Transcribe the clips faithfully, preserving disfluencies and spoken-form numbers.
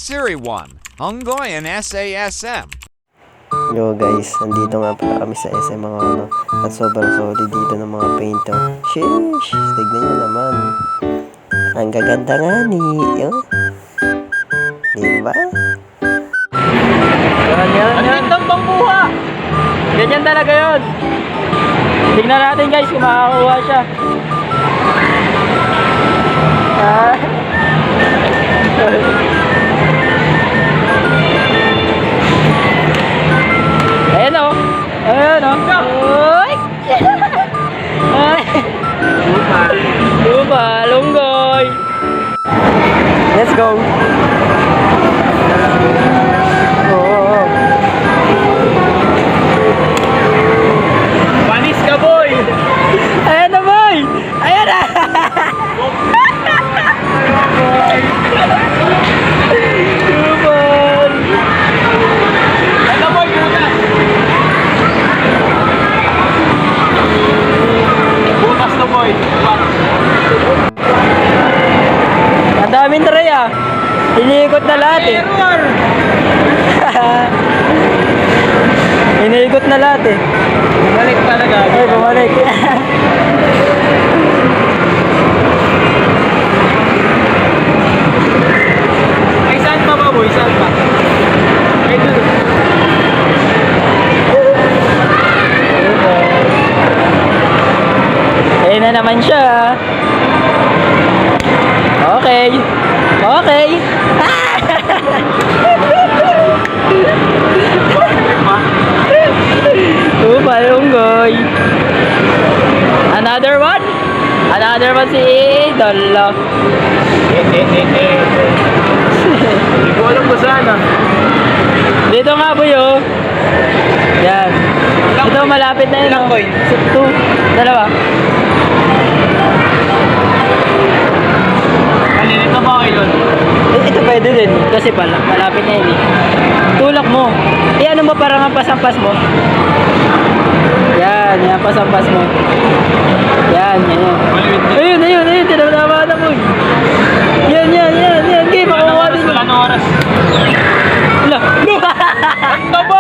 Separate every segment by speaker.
Speaker 1: Siri one, Hunggoyan S A S M.
Speaker 2: Yo guys, nandito nga pala kami sa S M mga ano. At sobrang solid dito ng mga paint oh. Sheesh, tignan nyo naman. Ang gaganda nga ni, yo. Diba?
Speaker 3: Yan, yan, yan. Ang gandang pangkuha. Ganyan talaga yun. Tignan natin guys kung makakakuha siya. Ah. Ayan o. Ayan o. Uy! Ay! Lupa. Lupa, lunggoy. Let's go. Oh. Panis ka boy. Ayan na boy. Ayan na. Lupan. Ayan na boy. Bukas na boy. Ang daming tray ah. Iniikot na lahat eh. Iniikot na lahat eh. Bumalik talaga. Ay, bumalik. Ay, saan pa ba boy? Saan pa? Ay, doon. Ayun na naman siya. Okay. Okay. Lupa, lunggoy. Another one? Another one si Idol. Hindi ko alam kung saan ah. Dito nga boy oh. Yan. Ito malapit na yun. Ilang coin? Two. Dalawa. Malinit na ba kayo doon? Eh, ito pwede din. Kasi pala, malapit na yun eh. Tulak mo. Eh ano mo parang ang pasampas mo? Yan, yan pasampas mo. Yan, yan, yan. Ayun, ayun, ayun. Tinatama na mo. Yan, yan, yan, yan. Okay, makukuha din. Wala na oras. Wala. Ano ba?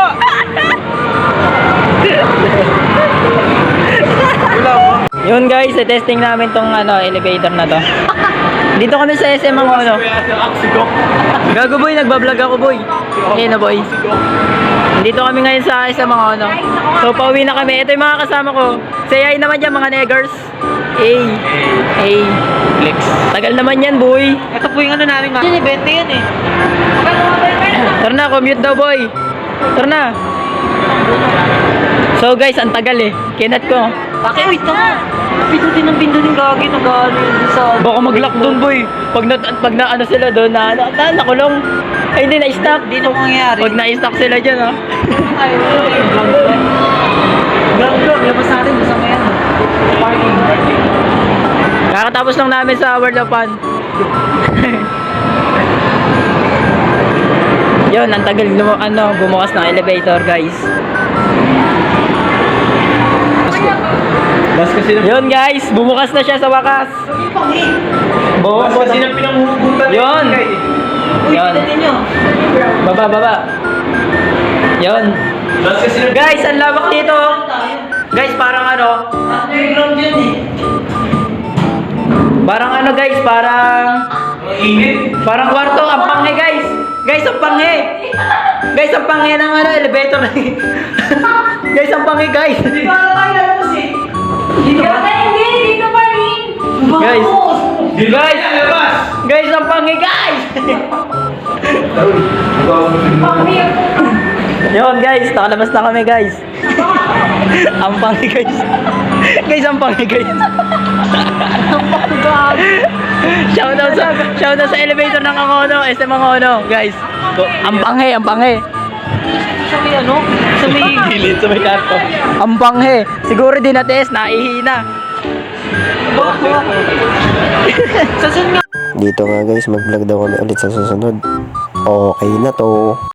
Speaker 3: Yun guys, testing namin tong ano, elevator na to. Dito kami sa S M ang ano. Gago boy, nagbablog ako boy. Ayun na boy. Dito kami ngayon sa S M ang ano. So pauwi na kami. Ito yung mga kasama ko. Say hi naman dyan mga neggers. Hey. Hey. Flex. Tagal naman yan boy. Ito po yung ano namin nga. Yan, ibente yan eh. Tara na, commute daw boy. Tara na. So guys, ang tagal eh. Kinat ko. Bakit? Uy, tama. Pindutin ng pindutin gagi. Nag-ano yun sa... Baka mag-lock doon boy. Pag na, pag na ano sila doon, na, na, na nakulong. Ay hindi na-stock. Hindi na mangyayari. Pag na-stock sila dyan ha. Ay, vlog vlog. Vlog vlog. Labas natin. Masama yan. Parking. Kakatapos lang namin sa World of Fun. Yun, ang tagal ano, bumukas ng elevator guys. Yun guys, bumukas na siya sa wakas. Bumukas kasi nang pinanghuhugutan. Yun. Yun. Baba, baba. Yun. Guys, ang lawak dito. Guys, parang ano? Underground yun eh. Parang ano guys, parang... Parang kwarto, ang panghe guys. Guys, ang panghe. Guys, ang panghe ng ano, elevator. Guys, ang panghe guys. Hindi pa tayo alam eh. Hindi ka hindi, dito pa rin. Guys, guys, guys, ang panghi guys. Yun guys, nakalabas na kami guys. Ang panghi guys. Guys, ang panghi guys. Ang panghi guys. Shoutout sa, shoutout sa elevator ng Angono, S M Angono, guys. Ang panghi, ang panghi. Sa may ano? Sa may gilid, sa may kanto. Ang panghe. Siguro din na-test, naihina.
Speaker 2: Dito nga guys, mag-vlog daw kami ulit sa susunod. Okay na to.